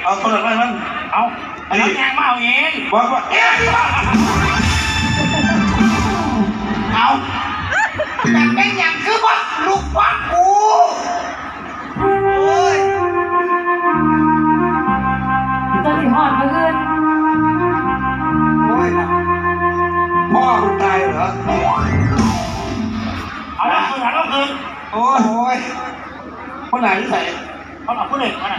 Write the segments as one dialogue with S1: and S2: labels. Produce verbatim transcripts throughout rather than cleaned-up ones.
S1: เอาคนละไรมันเอาอันนี้ยังมาเอาเองบอกว่าเอ๊ะเอาแต่เป็นอย่างคือว่าลูกวัดกูโอ้ย
S2: จะสิหอดมืออื่น
S1: โอ้ยพ่อคุณตายเหรอเอาละคุณหาลูกคืนโอ้ยคนไหนที่ใส่เขาบอกคนหนึ่งคนไหน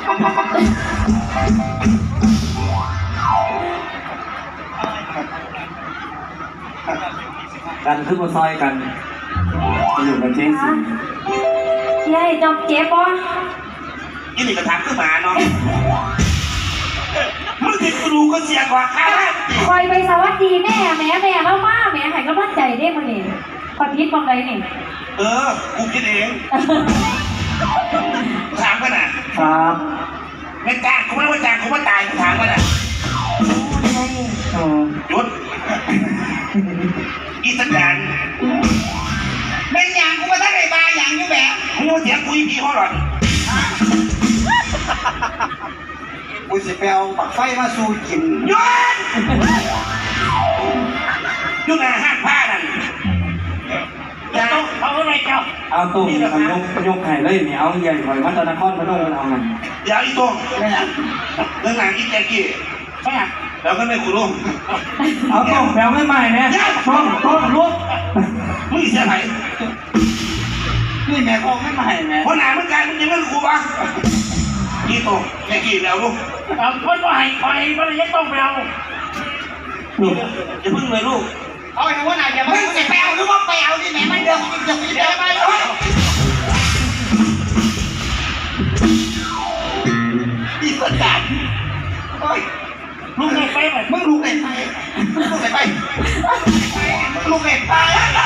S3: กันขึ้นมาซอยกันไปอยู่กับเจ๊สิ
S2: ยายจอมเจ็บปะ
S1: ยี่นี่กระถางขึ้นมาเนาะมึงติดกรูก็เสียกว่าข้า
S2: คอยไปสวัสดีแม่แม่แม่เล่ามาแม่หายกำลังใจได้มาเนี่ยขอพิษบางไรเนี่ย
S1: เออกูคิดเองถามกันน่ะ
S3: ครับ
S1: ไม่จ้างกูไม่ว่าจ้างกูว่าตายกูถามกันน่ะหยุดอีสัญญาณเป็นอย่างกูมาทั้งไอ้บาอย่างนี้แบบมึงเสียงกูอีพีเขาหรอกูจะไปเอาปักไฟมาสู้กินหยุดหยุดนะห้างผ้านั่นเอาอะไรเจ้า
S3: เอาตุ้มทำยกยกไข่เลยเนี่ยเอาใหญ่หน่อยวัดตะนครพนมเอาไง
S1: เดี๋ยวอีตุ้มเรื่องหนังอีแจกี้ใช่ไหมแล้วก็ไม่กูรู้
S3: เอาตุ้มแถวไม่ใหม่เนี่ยต้องต้องลุก
S1: มึงเสียไหนนี่แม่คงไม่ใหม่แม่เพราะหนาเมื่อไงมึงยังไม่รู้ปะกี่ตุ้มแม่กี่แล้วลูกเอาคนว่าให้ไปมันยังต้องไปเอาอย่าพึ่งเลยลูกเอาไปทำว่าไหนอย่ามึงจะไปเอาหรือว่าไปเอาที่ไหนมันเดิมเดิมเดิมไปเลยอีสัญญาณโอ้ยลูกเด็กไปไหมมึงลูกเด็กไปลูกเด็กไปลูกเด็กไป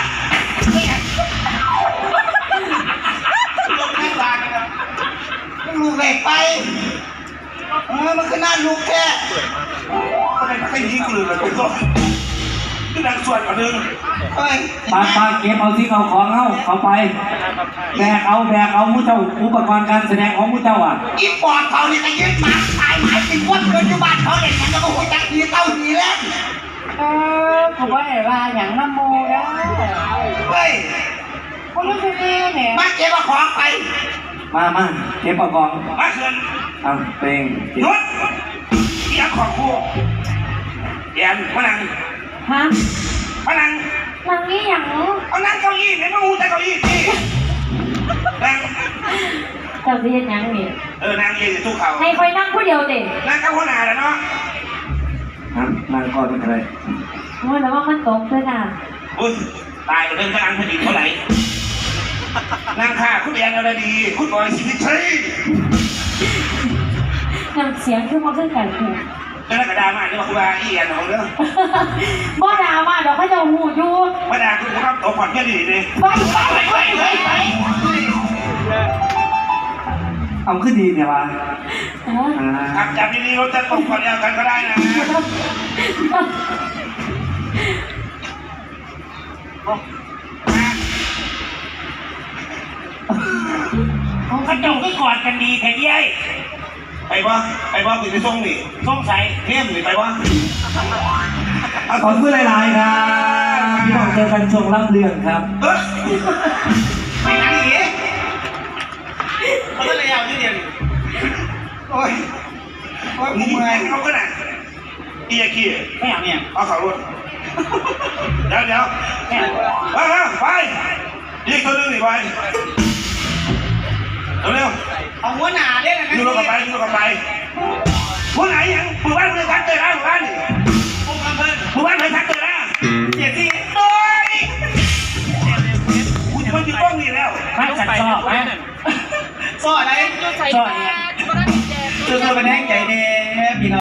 S1: ลูกเด็กไปเออมันคือหน้าลูกแค่อะไรมันไม่ยิงกูเลยเลยก็คือดังส่วนกว่านึงเฮ้ย
S3: ปาปาเก็บเอาที่เขาของเข้าเขาไปแบกเอาแบกเอามุ้เจ้าอุปกรณ์การแสดงของมุ้เจ้าอ่ะ
S1: อีปอดเขาเนี่ยจะยึดหมาตายหมายเป็นวัดเกินยุบานเขาเลยมันจะมาหัวใจดีเต้าดีแล้ว
S2: เออผมว่าไอ้ว่าอย่างน้ำโมนะ
S1: เฮ้ย
S2: คนรู้สึกดีเนี่ย
S1: มาเก็บมาของไป
S3: มามาเก็บประกอบ
S1: มาเขื่อน
S3: อ่ะเพลง
S1: หยุดเอียงของคู่เอียงมานั่ง
S2: ฮะ
S1: มานั่ง
S2: นั่งนี่อย่าง
S1: เอานั่งเก้าอี้เนี่ยมาหูแต่เก้าอี้ที่นั่ง
S2: เจ้าที่ยังนี่
S1: เออนั่งเย็นทุกเขา
S2: ให้คอยนั่งผู้เดียวเด็ก
S1: นั่งกับหัวหน้าแล้วเนาะ
S3: นั่งก่อนเป็นอะไร
S2: โอ้ยแล้วว่ามันตกด้วยนะ
S1: อุ้ยตายเรื่องกำลังผลิตเท่าไหร่นั่งค่ะคุณเอียงอะไรดีคุณบอยสิทธิ์ชัย
S2: น้ำเสียงขึ้นมาขึ้นกันคือ
S1: แล้วกระดามาเนี่ยคุณบาเอียนของเรื่อง
S2: บ่ดามาเดี๋ยวเขาจะหูยู
S1: บ่ดาคุณครับตกผ่อนแค่ดีเลย
S2: ไปไปไปไปไป
S3: เอาขึ้นดีเนี่ยวะ
S1: ขับจับดีๆเราจะตกผ่อนเดียวกันก็ได้นะเขาเจ้าก็กอดกันดีแท้ยัยไปวะไปวะไปส่งนี่ส่งใส่เทียมนี่ไปวะ
S3: ขอบคุณหลายๆครับพี่น้องเจอกันช่วงรับเรื่องครับ
S1: ไปนั่งอีกเขาก็เลยเอาที่เดียวโอ้ยโอ้ยมึงเมื่อยเขาก็น่ะเอียกี้ไม่เอาเนี่ยเอาเขารถเดี๋ยวเดี๋ยวไปไปยิงตัวนึงนี่ไปเร็วเอาหัวหนาเด้นะยูโรกับไปยูโรกับไปหัวไหนยังมือบ้านมือทักเตยนะมือบ้านนี่มือบ้านมือทักเตยนะเจ็บที่โอ้ยกูจะมายืนกล้องนี่แล้วไม่ฉันชอบไหมชอบอะไรชอบเนี่ยเจอเธอเป็นแห้งใจเด้